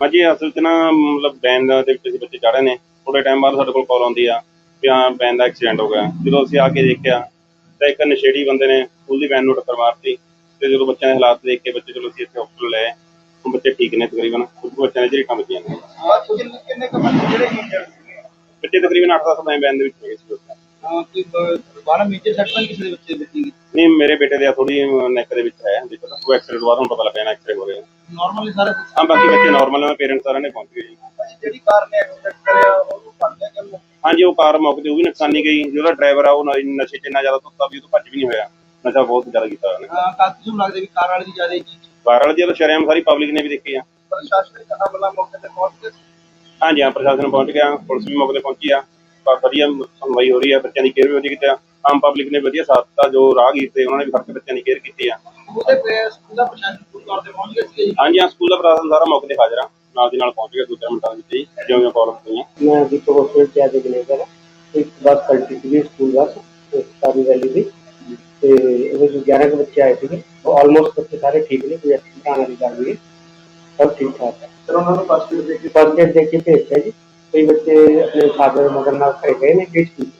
हाँ जी, असल च ना मतलब वैन दे विच बच्चे चढ़ रहे ने, थोड़े टाइम बाद साडे कोल कॉल आउंदी आ कि हाँ वैन दा एक्सीडेंट हो गया। जदों असीं आके देखिआ तां एक नशेड़ी बंदे ने स्कूल दी वैन नूं टक्कर मारती ते जदों बच्चों दे हालात देख के बच्चे चलो असीं इत्थे हॉस्पिटल ले आए। हुण बच्चे ठीक ने तकरीबन, कुछ बच्चों दी झरीटां वजीआं ने। किन्ने क बच्चे ਜਿਹੜੇ ਇੰਜਰਡ ਸੀਗੇ? बच्चे तकरीबन 8-10 वैन दे विच हैगे सी उस टाइम। ਕੋਈ ਬਾਹਲਾ ਮੇਜਰ ਸੱਟ ਤਾਂ ਕਿਸੇ ਦੇ ਬੱਚੇ ਦੇ ਲੱਗੀ? नहीं मेरे बेटे दे थोड़ी नैक दे विच है, दिक्कत वो एक्सरे तो बाद हुण पता लग्या ना एक्सरे हो रहे हैं। ਨਾਰਮਲੀ ਸਾਰੇ हाँ बाकी बच्चे नॉर्मल है, पेरेंट्स सारे ने पहुंच गए जी। ਜਿਹੜੀ ਕਾਰ ਨੇ ਐਕਸੀਡੈਂਟ ਕਰਿਆ ਉਹਨੂੰ ਫੜ ਲਿਆ ਕਿ हाँ जी, वो कार मौके ते वो भी नुकसानी गई, जो ड्राइवर आ वो नशे च इन्ना ज्यादा धुत्ता भी, भज भी नहीं होया, नशा बहुत ज्यादा कीता उन्हें। ਕਾਕੀ ਨੂੰ ਲੱਗਦਾ ਵੀ ਕਾਰ ਵਾਲੇ ਦੀ ਜ਼ਿਆਦਾ ਜੀ कार वाले जी तो शरेआम सारी पब्लिक ने भी देखी है। ਪ੍ਰਸ਼ਾਸਨਿਕ ਅਮਲਾ ਮੌਕੇ ਤੇ पहुंच के हाँ जी हाँ, प्रशासन पहुंच गया, पुलिस भी मौके ते पहुंची आ, पर वधिया सुनवाई हो रही है, बच्चों की केयर भी वधिया कीती, आम पब्लिक ने वधिया साथ दिता, जो राहगीर थे उन्होंने भी फड़ के बच्चों की केयर की है। ਉਹਦੇ ਤੇ ਸਕੂਲ ਦਾ ਪ੍ਰਸ਼ਾਸਨ ਪੂਰੀ ਤੌਰ ਤੇ ਪਹੁੰਚ ਗਿਆ ਸੀ। हाँ जी हाँ, स्कूल का प्रशासन सारा मौके ते हाजिर आ, नाल दी नाल पहुंच गया 2-4 मिनटां दे विच ही, जिवें प्रॉब्लम हुई। मैं जितो हॉस्पिटल से आके मैनेजर है। एक बस पलटी थी स्कूल बस सारी वैली थी तो जो 11 के बच्चे आए थे ऑलमोस्ट बच्चे सारे ठीक ने, कोई एक्सीडेंट आने की गल नहीं, सब ठीक ठाक है। ਫਿਰ ਉਹਨਾਂ ਨੂੰ ਫਸਟ ਏਡ देख के भेजता जी, कई बच्चे अपने फादर मदर नाल घर गए ने, केस ठीक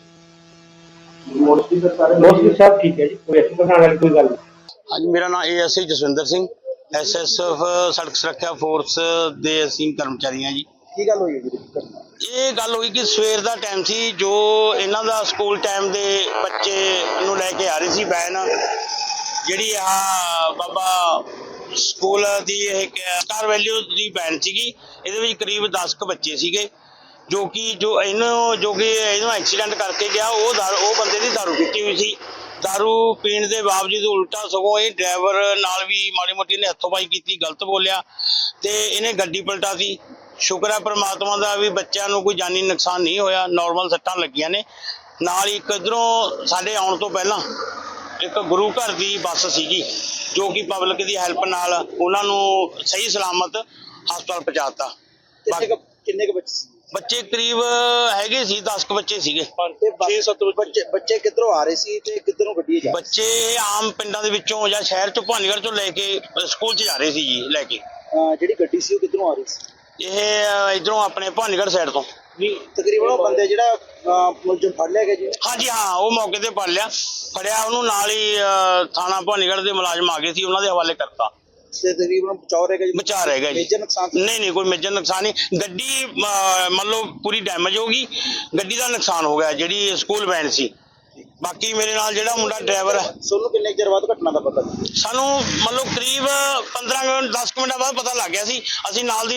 ਮੋਸਟਲੀ ਫਿਰ ਸਾਰੇ मोस्टली सब ठीक है जी, कोई एक्सीडेंट आने वाली कोई गल नहीं। हाँ जी, मेरा नाम ASI जसविंदर सिंह, SSF सड़क सुरक्षा फोर्स ਦੇ ਅਸੀਂ ਕਰਮਚਾਰੀ ਹਾਂ ਜੀ। ਕੀ ਗੱਲ ਹੋਈ ਹੈ ਜੀ? ਇਹ ਗੱਲ ਹੋਈ ਕਿ ਸਵੇਰ ਦਾ ਟਾਈਮ ਸੀ, ਜੋ ਇਹਨਾਂ ਦਾ ਸਕੂਲ ਟਾਈਮ ਦੇ ਬੱਚੇ ਨੂੰ ਲੈ ਕੇ ਆ ਰਹੀ ਸੀ ਵੈਨ, ਜਿਹੜੀ ਆ ਬਾਬਾ ਸਕੂਲ ਦੀ ਇਹ ਸਟਾਰ ਵੈਲਿਊ ਦੀ ਵੈਨ ਸੀਗੀ। ਇਹਦੇ ਵਿੱਚ ਕਰੀਬ 10 ਕੁ ਬੱਚੇ ਸੀਗੇ, ਜੋ ਕਿ ਇਹਨੂੰ ਐਕਸੀਡੈਂਟ ਕਰਕੇ ਗਿਆ ਉਹ ਬੰਦੇ ਦੀ ਦਾਰੂ ਪੀਤੀ ਹੋਈ ਸੀ। दारू पीण के बावजूद उल्टा सगों ये ड्राइवर नाल भी माड़ी मोटी ने हथोपाई की, गलत बोलिया तो इन्हें गड्डी पलटाती। शुक्र है परमात्मा का भी बच्चों को कोई जानी नुकसान नहीं होया, नॉर्मल सट्टां लगियां ने। नाल एक इधरों साडे आउण तो पहला एक गुरु घर की बस सीगी, जो कि पब्लिक की हैल्प नाल उन्हां नूं सही सलामत हस्पताल पहुंचाता। ਕਿੰਨੇ ਕ ਬੱਚੇ? बच्चे करीब हैगे सी 10 क बच्चे सीगे। 6-7 ਬੱਚੇ ਕਿੱਧਰੋਂ ਆ ਰਹੇ ਸੀ ਤੇ ਕਿੱਧਰੋਂ ਗੱਡੀ ਜਾ? बच्चे आम पिंडां दे विचों ਜਾਂ शहर चों भानीगढ़ चों लैके स्कूल च जा रहे सी जी लैके। ਜਿਹੜੀ ਗੱਡੀ ਸੀ ਉਹ ਕਿੱਧਰੋਂ ਆ ਰਹੀ ਸੀ? ਇਹ ਇਧਰੋਂ ਆਪਣੇ ਭਾਨੀਗढ़ ਸਾਈਡ ਤੋਂ। ਤਕਰੀਬਨ ਉਹ ਬੰਦੇ ਜਿਹੜਾ ਮੁਲਜ਼ਮ ਫੜ ਲਿਆ ਗਿਆ ਜੀ? ਹਾਂਜੀ ਹਾਂ, ਉਹ ਮੌਕੇ ਤੇ ਫੜਿਆ ਉਹਨੂੰ, ਨਾਲ ਹੀ ਥਾਣਾ ਭਾਨੀਗढ़ ਦੇ ਮੁਲਾਜ਼ਮ ਆ ਗਏ ਸੀ, ਉਹਨਾਂ ਦੇ ਹਵਾਲੇ ਕਰਤਾ। ਤੇ ਤਕਰੀਬਨ ਬਚਾਅ ਰਹੇਗਾ ਜੀ? ਬਚਾ ਰਹੇਗਾ ਜੀ। ਮੇਜਰ ਨੁਕਸਾਨ ਨਹੀਂ ਕੋਈ ਮੇਜਰ ਨੁਕਸਾਨ ਨਹੀਂ। ਗੱਡੀ ਮੰਨ ਲਓ ਪੂਰੀ ਡੈਮੇਜ ਹੋ ਗਈ, ਗੱਡੀ ਦਾ ਨੁਕਸਾਨ ਹੋ ਗਿਆ ਜਿਹੜੀ ਸਕੂਲ ਵੈਨ ਸੀ। ਬਾਕੀ ਮੇਰੇ ਨਾਲ ਜਿਹੜਾ ਮੁੰਡਾ ਡਰਾਈਵਰ ਹੈ। ਤੁਹਾਨੂੰ ਕਿੰਨੇ ਚਿਰ ਬਾਅਦ ਘਟਨਾ ਦਾ ਪਤਾ? ਸਾਨੂੰ ਮੰਨ ਲਓ ਕਰੀਬ 15 ਮਿੰਟ 10 ਮਿੰਟਾਂ ਬਾਅਦ ਪਤਾ ਲੱਗ ਗਿਆ ਸੀ। ਅਸੀਂ ਨਾਲ ਦੀ